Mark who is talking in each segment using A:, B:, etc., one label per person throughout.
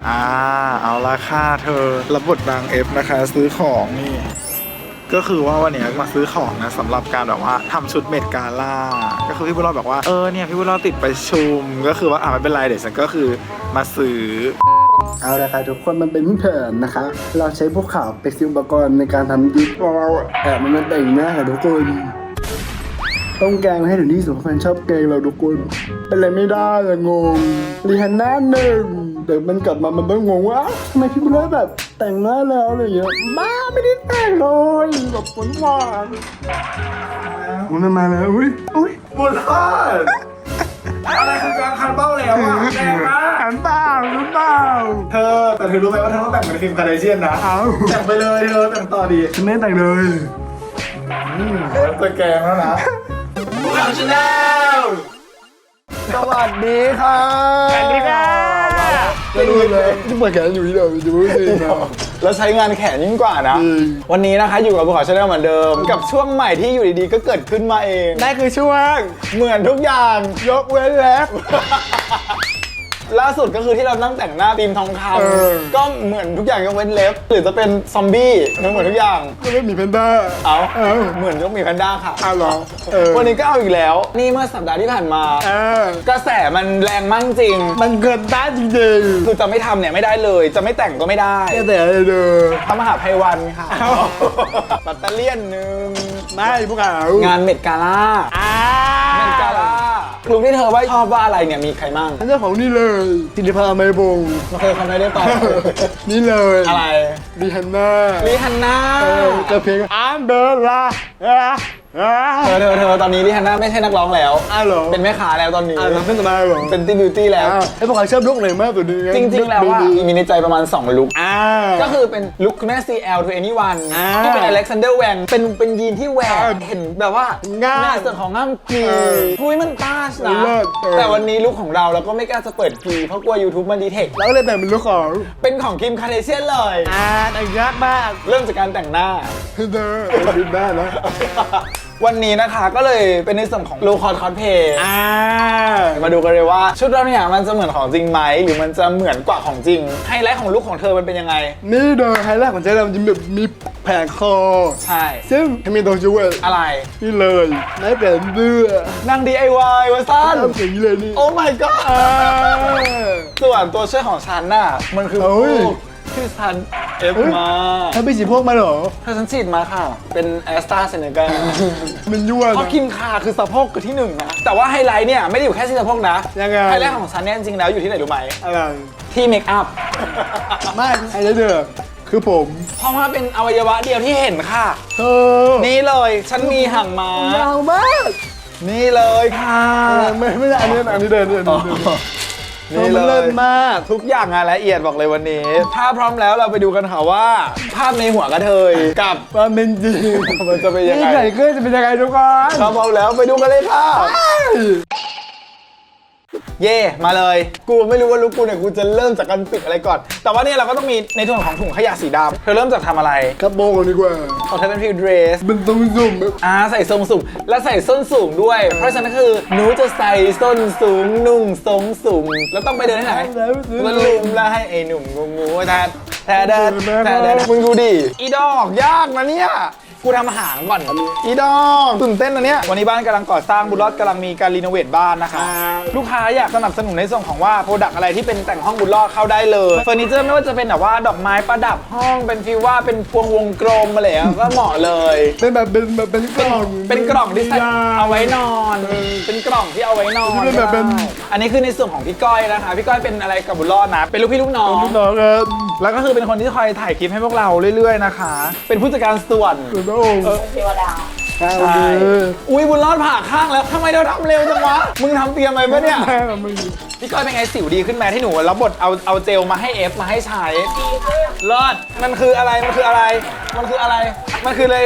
A: เอาละค่ะเธอรับบทนางเอฟนะคะซื้อของนี่ก็คือว่าวันนี้มาซื้อของนะสำหรับการแบบว่าทำชุดเมดกาล่าก็คือพี่บุญรอดบอกว่าเนี่ยพี่บุญรอดติดประชุมก็คือว่าไม่เป็นไรเดี๋ยวฉันก็คือมาซื้อ
B: เอาละค่ะทุกคนมันเป็นแผนนะคะเราใช้พวกข่าวเป็นอุปกรณ์ในการทำดิสเรามันแต่งหน้าค่ะทุกคนต้องแกงให้ถึงที่สุดแฟนชอบแกงเราทุกคนเป็นอะไรไม่ได้อะงงรีฮันน่าหนึ่งเดี๋ยวมันกลับมามันต้องงงว่าทำไมพี่บุญรอดแบบแต่งหน้าแล้วอะไรอย่างเงี้ยบ้าไม่ได้แต่งเลยแบบหวานมันมาแล้วอุ้ย
A: บุญรอดอะไรคือการคันเบ้าแล้วอ่ะแรงมาก
B: หันเปล่า
A: เธอแต่เธอรู้ไหมว่าเธอต้องแต่งเป็นคิมคาร์เดเชียนนะแต่งไปเลยเธอแต่งต่อดี
B: ฉันไม่แต่งเลย
A: ตัวแกงแล้วนะพวกเราชนะ
B: สวัสดีค่ะ
A: สวัสดีค่ะ
B: จะดูเลยที่เปิดแขนอยู่ที่เดิมจะไม่ได้นะ
C: แล้วใช้งานแขนยิ่งกว่านะวันนี้นะคะอยู่กับภูเขาชาแนลเหมือนเดิมกับช่วงใหม่ที่อยู่ดีๆก็เกิดขึ้นมาเองนั่นคือช่วงเหมือนทุกอย่างยกเว้นแล็บล่าสุดก็คือที่เรานั่งแต่งหน้าธีมทองคำก็เหมือนทุกอย่างยกเว้นเล็บหรือจะเป็นซอมบี้เหมือนทุกอย่าง
B: ก็ไม่มีแพนด้า
C: เหมือนก็มีแพนด้าค่ะ
B: เหรอ
C: วันนี้ก็เอาอีกแล้วนี่เมื่อสัปดาห์ที่ผ่านมากระแสมันแรงมากจริง
B: มันเกินต้านจริง
C: ๆคือจะไม่ทำเนี่ยไม่ได้เลยจะไม่แต่งก็ไม่ได้
B: แต่เลย
C: ทำมหาภัยวันค่ะปัตเตเลียนนึง
B: ไม่พวกเขา
C: งานเมดกาล่าเมดกาล่าลุงที่เธอว่าชอบว่าอะไรเนี่ยมีใครมั่ง
B: เจ้าของนี่เลยศิริภาไมบง
C: ไม่เคยทำได้ต่อ
B: นี่เลย
C: อะไร
B: รีฮันน่าจะเพลงอันเดอร์ลา
C: เธอตอนนี้ลิฮันน่าไม่ใช่นักร้องแล้ว
B: เหรอ
C: เป็นแม่ค้าแล้วตอนนี้
B: เป็นสมาเหรอ
C: เป็นตี้บิวตี้แล้ว
B: ไอ้พวกเขาชอบลุกไหนมากตัวนี้
C: จริงๆแล้วว่ามีในใจประมาณ2ลุคก็คือเป็นลุคคุณแม่ CL to anyone ที่เป็น Alexander Wang เป็นยีนที่แหวกเห็นแบบว่า
B: ง่าม
C: ส่วนของง่ามกีคุยมันต้าชนะแต่วันนี้ลุคของเราก็ไม่กล้าจะเปิดกีเพราะกลัว YouTube มันดีเทค
B: แล้วก็เลยแต่งเป็นลุค
C: ของคิมคาร์เดเชียนเลย
B: แต่งยากมาก
C: เริ่มจากการแต่งหน้า
B: เธอบินได้แล้ว
C: วันนี้นะคะก็เลยเป็นในส่วนของโลคอร์คอสเพย์มาดูกันเลยว่าชุดเราเนี่ยมันจะเหมือนของจริงไหมหรือมันจะเหมือนกว่าของจริงไฮไลท์ของลุคของเธอมันเป็นยังไง
B: นี่โดยไฮไลท์ของเจ๊เราจะแบบมีแผงคอ
C: ใช่
B: ซึ่งมีตัวช่วย
C: อะไร
B: นี่เลยไม่เป็นเบื่
C: อนาง DIY วะสั้น
B: อย่างนี้เลยนี่
C: โอ้ my god ส่วนตัวช่วยของฉันน่ะมันคือที่ฉันเอฟมา
B: ถ้าไปฉีดพวกมาเหรอ
C: ถ้าฉันฉีดมาค่ะเป็นแอสตราเซเนกา
B: มันยั่ว
C: เพราะคิมคาคือสะโพกคือที่1นะแต่ว่าไฮไลท์เนี่ยไม่ได้อยู่แค่ที่สะโพกนะ
B: ยังไง
C: ไฮไลท์ของฉันเนี่ยจริงๆแล้วอยู่ที่ไหนรู้ไหม
B: อะไร
C: ที่เมคอัพ
B: ไม่ไฮไลท์เด้อคือผม
C: เพราะว่าเป็นอวัยวะเดียวที่เห็นค่ะนี่เลยฉันมีหางม้าย
B: าวมาก
C: นี่เลยค่ะ
B: ไม่ใช่อันนี้เดิน
C: นี่เลิศมากทุกอย่างงานละเอียดบอกเลยวันนี้ถ้าพร้อมแล้วเราไปดูกันค่ะว่าภาพในหัวกระเทยกับ
B: ความเป็นจริง
C: มันจะเป็นยังไง
B: นี่ไก่เกลือจะเป็นยังไงทุกคน
C: ถ้าพร้อมแล้วไปดูกันเลยค่ะเย่มาเลยกูไม่รู้ว่าลุคกูเนี่ยกูจะเริ่มจากการปิดอะไรก่อนแต่ว่าเนี่ยเราก็ต้องมีในส่วนของถุงขยะสีดำเธอเริ่มจากทำอะไร
B: กระโปรงดีกว่า
C: ของเธอเป็นฟิลเดรส
B: เป็นทรงสูง
C: ใส่ทรงสูงและใส่ส้นสูงด้วยเพราะฉะนั้นคือหนูจะใส่ส้นสูงนุ่งทรงสูงแล้วต้องไปเดินที่ไหนมันลุมแล้วให้ไอ้หนุ่มงูแทเดินมึงดูดิอีดอกยากนะเนี่ยกูทำหางก่อนอีดองตื่นเต้นนะเนี่ยวันนี้บ้านกำลังก่อสร้างบุญรอดกำลังมีการรีโนเวทบ้านนะคะลูกค้าอยากสนับสนุนในส่วนของว่าโปรดักต์อะไรที่เป็นแต่งห้องบุญรอดเข้าได้เลยเฟอร์นิเจอร์ไม่ว่าจะเป็นแบบว่าดอกไม้ประดับห้องเป็นฟีลว่าเป็นพวงวงกลมอะไรก็เหมาะเลย
B: เป็นแบบเป็นกล่อง
C: ที่ใส่เอาไว้นอนเป็นกล่องที่เอาไว้นอนอันนี้คือในส่วนของพี่ก้อยนะคะพี่ก้อยเป็นอะไรกับบุญรอดนะเป็นลูกพี่ลูกน้องแล้วก็คือเป็นคนที่คอยถ่ายคลิปให้พวกเราเรื่อยๆนะคะเป็นผู้จัดการส่วน
D: เทวดา
C: ใช่อุ้ยบุญรอดผ่าข้างแล้วทำไมเราทำเร็วจังวะมึงทำเตรียมไว้ปะเนี่ยพี่ก้อยเป็นไงสิวดีขึ้นไหมที่หนูรับบทเอาเจลมาให้เอฟมาให้ใช้รอดมันคืออะไรมันคืออะไรเลย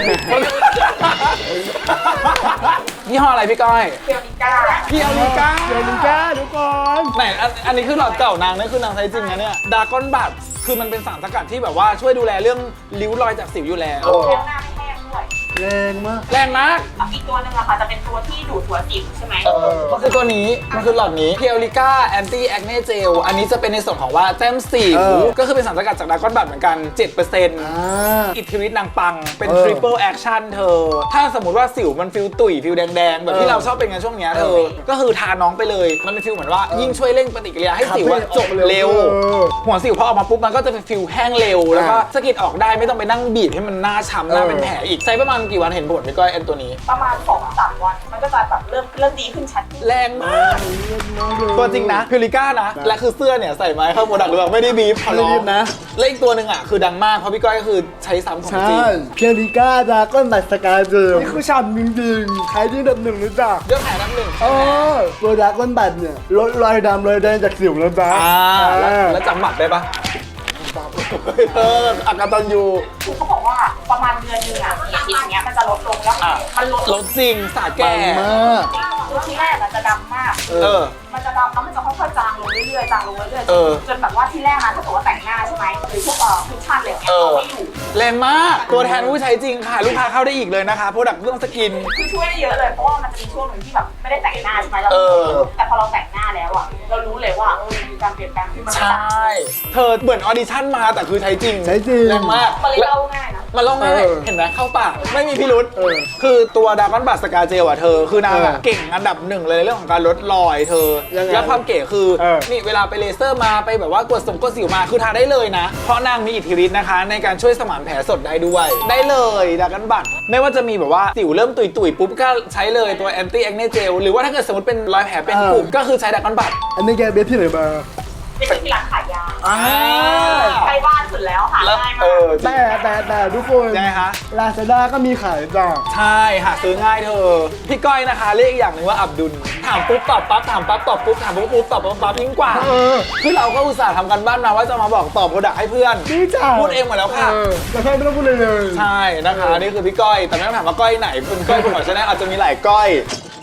C: ยี่ห้ออะไรพี่ก้อย
D: เพียวนิก้า
C: ทุกคนไหนอันนี้คือหลอดเก่านางนี่คือนางใช้จริงนะเนี่ยดากอนบัตคือมันเป็นสารสกัดที่แบบว่าช่วยดูแลเรื่องริ้วรอยจากสิวอยู่แล้ว
D: หน้าไม่แห้งด้วย
B: แรงมาก
C: แรงมาก
D: อีกตัวหนึ่งอะค่ะจะเป็นตัวที่ดูดหัวสิวใช่ไหม
C: ก็คือตัวนี้มันคือหลอดนี้ Piolica Anti Acne Gel อันนี้จะเป็นในส่วนของว่าแต้มสิวก็คือเป็นสารสกัดจากดราก้อนบัตเหมือนกัน 7%อิทธิฤทธิ์นางปังเป็น Triple Action เธอ ถ้าสมมติว่าสิวมันฟิลตุ๋ยฟิลแดงๆ แบบที่เราชอบเป็นกันช่วงเนี้ยเธอ ก็คือทาน้องไปเลย มันเป็นฟิลเหมือนว่ายิ่งช่วยเร่งปฏิกิริยาให้สิวอะจบเร็ว หัวสิวพอออกมาปุ๊บมันก็จะเป็นฟิลแห้งเร็ว แล้วก็สะกิดออกได้ไม่ต้องไปนั่งบีบให้มันหน้าช้ำหน้าเป็นแผลอีกใช้ประมาณกี่วันเห็นผลพี่ก้อยแอนตัวนี้
D: ประมาณ 2-3 วัน มันก็จะแบบเริ่มดีขึ้นชัด
C: แรงมาก ตัวจริงนะพิลิก้านะ และคือเสื้อเนี่ยใส่ไม้เข้าโปรดักต์หรือเปล่าไม่ได้บีบขอร้องนะและอีกตัวหนึ่งอ่ะคือดังมากเพราะพี่ก้อยก็คือใช้ซ้ำของจริง
B: เพียริก้าดาก้อนบัตสกาเจลนี่คือฉ่ำจริงๆใครที่ดับหนึ่งรู้จัก
C: ยอดขายอันดับหนึ่ง
B: ตัวดาก้อนบัตเนี่ยลดรอยดำรอยแดงจากสิวแล้วจ้า
C: แล้วจำหมัดได้ปะอากาตันยู
D: คือเขาบอกว่าประมาณเดือนหนึงอะอย่างเงี้ยมันจะลดลงแล้วมันลด
C: รถจริงสาแก่
D: คือที่แรกอะจะดำมาก มันจะดำแล้วมันจะค่อยๆจางลงเรื่อยๆจางลงเรื่อยๆจนแบบว่าที่แรกนะถ้าเกิดว่าแต่งหน้าใช่ไหมหรือพวกคุชชั่นอะไรอย่างเงี้ยเอาไม่อยู่
C: แรงมากตัวแทนผู้ใช้จริงค่ะลูกค้าเข้าได้อีกเลยนะคะโปรดักต์เรื่องสกิน
D: คือช่วยได้เยอะเลยเพราะว่ามันจะมีช่วงหนึ่งที่แบบไม่ได้แต่งหน้าใช่ไหมเราแต่พอเราแต่งหน้าแล้วอะเรารู้เลยว่ามีการเปลี่ยนแปลงขึ้นมา
C: ใช่เธอเหมือนออดิชั่นมาแต่คือใช้จริง
B: ใช้จริง
C: แรงมาก
D: มันเลยเล่าง่ายนะ
C: มันลองง่ายเห็นไหมเข้าปากไม่มีพิรุษคือตัวดาก้อนบัตสกาเจลอ่ะเธอคือนางอะเก่งอันดับหนึ่งเลยในเรื่องของการลดรอยเธอ แล้วความเก๋คือนี่เวลาไปเลเซอร์มาไปแบบว่ากดสิวมาคือทาได้เลยนะ เพราะนางมีอิทธิฤทธิ์นะคะ ในการช่วยสมานแผลสดได้ด้วย ได้เลยดาก้อนบัตไม่ว่าจะมีแบบว่าสิวเริ่มตุยๆปุ๊บก็ใช้เลยตัวแอนตี้แอคเนเจลหรือว่าถ้าเกิดสมมติเป็นรอยแผลเป็นกลุ่มก็คือใช้ดาก้อนบัต
B: อันนี้แกเบสที่ไหนมา
D: ไปซื้อที่ร้านขายยาใกล้บ้านสุดแล้วหาง่ายมาก
B: แต่ทุกคน
C: ยังไงคะ
B: ลาซาด้าก็มีขายจ้า
C: ใช่หาซื้อง่ายเธอ พี่ก้อยนะคะเรียกอีกอย่างหนึ่งว่าอับดุลถามปุ๊บตอบปั๊บถามปั๊บตอบปุ๊บถามปุ๊บตอบปั๊บยิ่งกว่าคือเราก็อุตส่าห์ทำกันบ้านมาว่าจะมาบอกตอบโปรดักต์ให้เพื่อน
B: นี่จ้า
C: พูดเองหมดแล้วค่ะ
B: แล้วแค่ไม่ต้องพูดเลยเลย
C: ใช่นะคะนี่คือพี่ก้อยแต่ไม่ต้องถามว่าก้อยไหนเป็นก้อยคุณหมอชาแนลอาจจะมีหลายก้อย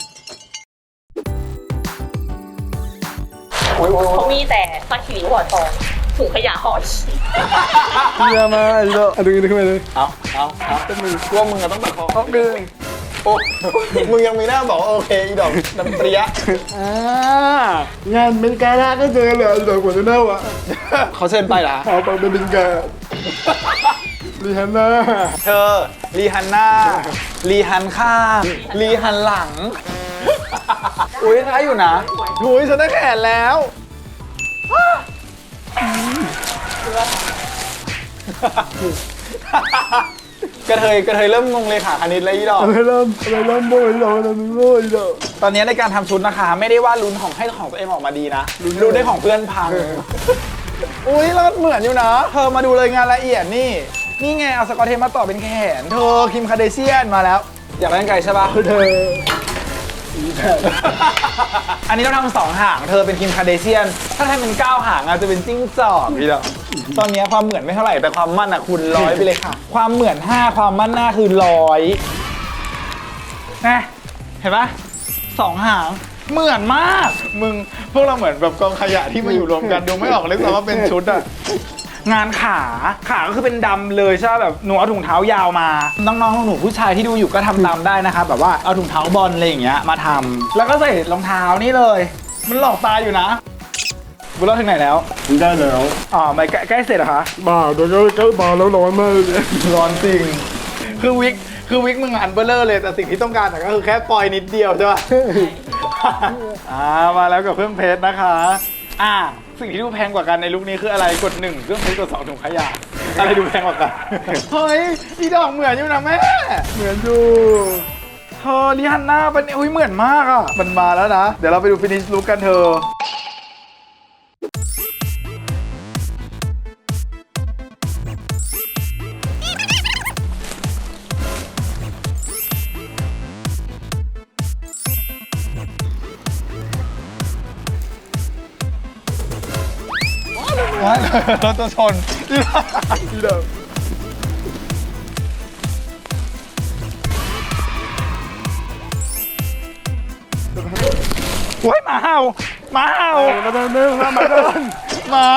D: เขามีแต่ซักคิริวหัวทองถุงขยะห่อชี
B: เยี่ยมมากอีโดอันนี้ขึ้นมาเลย
C: เอาก็มึงว่ามึงอะต้องแบบเขาดึงโอ้มึงยังมีหน้าบอกว่าโอเคอีดอกน้ำเปรี้ย
B: งานเป็นการ่าก็เจอเลยอีโดกว่าจะเน่าวะ
C: เขาเชิญไปเหรอ
B: เอาไปเป็นกาลีฮันน่า
C: เธอรีฮันหน้ารีฮันข้างรีฮันหลัง อุ้ยท้ายอยู่นะอุ้ยฉันได้แขนแล้วกระเทยเริ่มงงเลยค่ะคณิตแล้วอีดอก
B: อะไรเริ่มโบยอีโดอะไรโบยอีโด
C: ตอนนี้ในการทำชุดนะคะ ไม่ได้ว่าลุ้นของให้ของตัวเองออกมาดีนะลุ้นได้ของเพื่อนพัง อุ้ยแล้วเหมือนอยู่นะ เธอมาดูเลยงานละเอียดนี่ไงเอาสกอตเทปมาต่อเป็นแขน เธอคิมคาเดเชียนมาแล้ว อยากได้ไกลใช่ปะ
B: เธอ
C: อันนี้เราทำ2 หาง เธอเป็นคิมคาเดเชียน ถ้าทำเป็น9 หางอาจจะเป็นจิ้งจอกพี่ดอกตอนนี้ความเหมือนไม่เท่าไหร่แต่ความมั่นอะคูณ100ไปเลยค่ะ ความเหมือน5ความมั่นหน้าคือ100นะเห็นปะ2 หางเหมือนมากมึงพวกเราเหมือนแบบกองขยะที่มาอยู่รวมกันดูไม่ออกเลยซ้ำว่าเป็นชุดอะงานขาก็คือเป็นดำเลยใช่ไหมแบบหนูเอาถุงเท้ายาวมาน้องๆหนูผู้ชายที่ดูอยู่ก็ทำตามได้นะครับแบบว่าเอาถุงเท้าบอลอะไรอย่างเงี้ยมาทำแล้วก็ใส่รองเท้านี่เลย มันหลอกตาอยู่นะบุญรอดถึงไหนแล้ว
B: ได้แล้ว
C: ไม่ใกล้เสร็จเหรอคะ
B: บ้าโดนก็บ้าแล้วร้อนมากเลย
C: ร้อนจริงคือวิกมึงอันเบลเลอร์เลยแต่สิ่งที่ต้องการก็คือแค่ปล่อยนิดเดียวใช่ปะ มาแล้วกับเครื่องเพชรนะคะสิ่งที่ดูแพงกว่ากันในลุคนี้คืออะไรกด1เครื่องเพชรกด2ถุงขยะอะไรดูแพงกว่ากัน เฮ้ยอีดอกเหมือนอยู่นะแม่เหมือนอยู่เธอลิฮันน่าเป็นอุ้ยเหมือนมากอ่ะมันมาแล้วนะเดี๋ยวเราไปดูฟินิชลุคกันเธอรถจะชนอีดอกโอ้ยหมาเห่ามาเดินหมา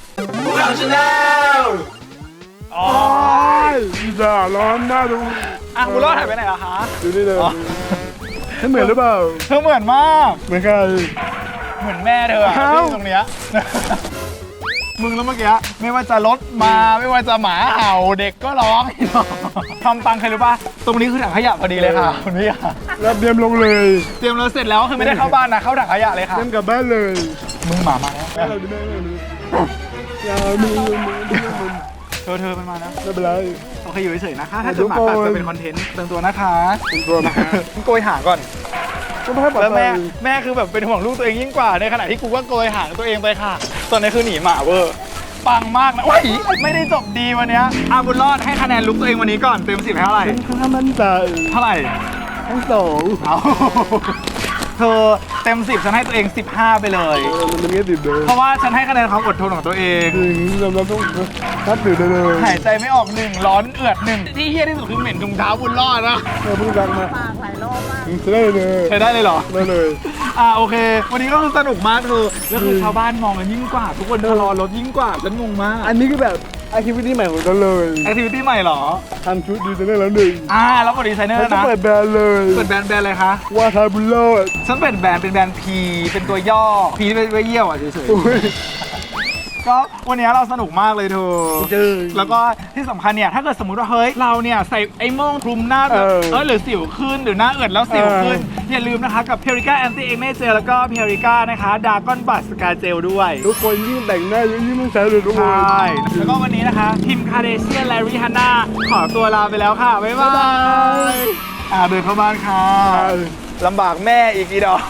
B: อ๋ออีด่าร้อนน่าดู
A: อ่ะบุญรอดหายไปไหนล่ะคะ
B: ดูนี่เลย
A: อ๋อ
B: ให้เหมือนหรือเปล่า
A: เธอเหมือนมาก
B: เหมือนใคร
A: เหมือนแม่เธออะ
B: อ้าว
A: ที่ตรงเนี้ย มึงแล้วเมื่อกี้ไม่ว่าจะรถมาไม่ว่าจะหมาเห่าเด็กก็ร้องทำตังใครรู้ป่ะตรงนี้คือถังขยะพอดีเลยค่ะคุณพี่ค่ะ
B: รับเดียมลงเลย
A: เตรียมเราเสร็จแล้วคือไม่ได้เข้าบ้านนะเข้าถังขยะเลยค่ะ
B: เดินกลับบ้านเลย
A: มึงหมามาแล้ว
B: แม่เราดูแม่เราดูอย่ามีมัน
A: เธอมันมานะ
B: ไม่เป็นไร
A: โอเคอยู่เฉยๆนะคะถ้าเกิดหมากัดจะเป็นคอนเทนต์เติมตัวนะคะ
B: เป็นตัวนะ
A: โกยหางก่อน
B: ก็ไม่ให้ปลอด
A: แล้ว
B: ภั
A: แม่
B: ย
A: คือแบบเป็นห่วงลูกตัวเองยิ่งกว่าในขณะที่กูก็โกยหางตัวเองไปค่ะตอนนี้คือหนีหมาเวอร์ปังมากนะว้ายไม่ได้จบดีวันเนี้ยอาบุญรอดให้คะแนนลุกตัวเองวันนี้ก่อนเต็ม10ให้เท่าไหร่
B: ค่อนข้างมั่นใจ
A: เท่าไหร่
B: ทั้งสอง
A: เอาเธอเต็ม10ฉันให้ตัวเอง15ไปเลย
B: มันไม่ติดเลย
A: เพราะว่าฉันให้คะแนนความอดทนของตัวเอง
B: ถึงเราต้องนับถือได้เลย
A: หายใจไม่ออก1ร้อนเอือด1ที่เฮี้ยที่สุดคือเหม็นถุงเท้าบุญรอดนะ
B: เราเพิ่งรักมาได้เลย
A: ใช้ได้เลยเหรอ
B: ได้เลย
A: โอเค วันนี้ก็คือสนุกมากเธอแล้วคือชาวบ้านมองกันยิ่งกว่า ทุกคนรอรถยิ่งกว่าฉันงงมาก
B: อันนี้คือแบบแอคทิวิตี้ใหม่ของเราเลย
A: แอคทิวิตี้ใหม่เหรอ
B: ทำชุดดีไซเนอร์แล้วหนึ่ง
A: แล้วก็ดีไซเนอ
B: มัน
A: ร์
B: จะ
A: นะ
B: เปิดแบรนด์เลย
A: เปิดแบรนด์อะไรคะ
B: ว่าทาบุลโลด
A: ฉันเปิดแบรนด์เป็นแบรนด์ P เป็นตัวย่อ P ไว้เยี่ยวอ่ะเฉย
B: อุ้ย
A: ๆก็วันนี้เราสนุกมากเลยเธอ
B: เจอ
A: แล้วก็ที่สำคัญเนี่ยถ้าเกิดสมมติว่าเฮ้ยเราเนี่ยใส่ไอ้โม่งคลุมหน้าหรือสิวขึ้นหรือหน้าเอิดแล้วสิวขึ้นอย่าลืมนะคะกับ Purica Anti Acne Gel แล้วก็ Purica นะคะ Dragon Bud Scar Gel ด้วย
B: ทุกคนยิ่งแต่งหน้ายิ่งต้องใช้เลยทุกค
A: ใช
B: น่
A: แล้วก็วันนี้นะคะคิมคาเดเชียนและริฮาน่าขอตัวลาไปแล้วค่ะ บ๊ายบายเดินเข้าบ้านค่ะลำบากแม่อีกอีดอก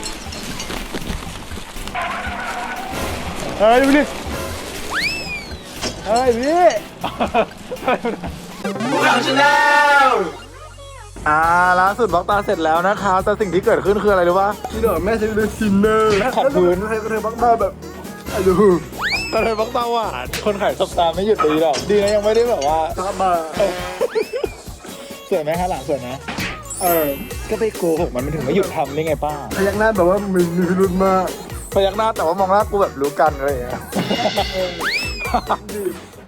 B: เฮ้ยดูดิเฮ้ยพี่
A: ล่าสุดบล็อกตาเสร็จแล้วนะคะแต่สิ่งที่เกิดขึ้นคืออะไรรู้ป่ะ
B: พี่ดอกแม่ใช้เป็นซินเนอร์
A: ขอบคุณ
B: ใครก็เธอบ้างหน้าแบบอะดู
A: ตอนนี้บล็อกตาหวานคนขายสบตาไม่หยุดเลยหรอกดีนะยังไม่ได้แบบว่า
B: ตามมา
A: สวยไหมคะหลังสวยไหมก็ไปโกหกมันถึงไม่หยุดทำได้ไงป้า
B: พยักหน้าแบบว่ามันมีพิรุธมาก
A: พยักหน้าแต่ว่ามองหน้ากูแบบรู้กันอะไรอย่างเงี้ย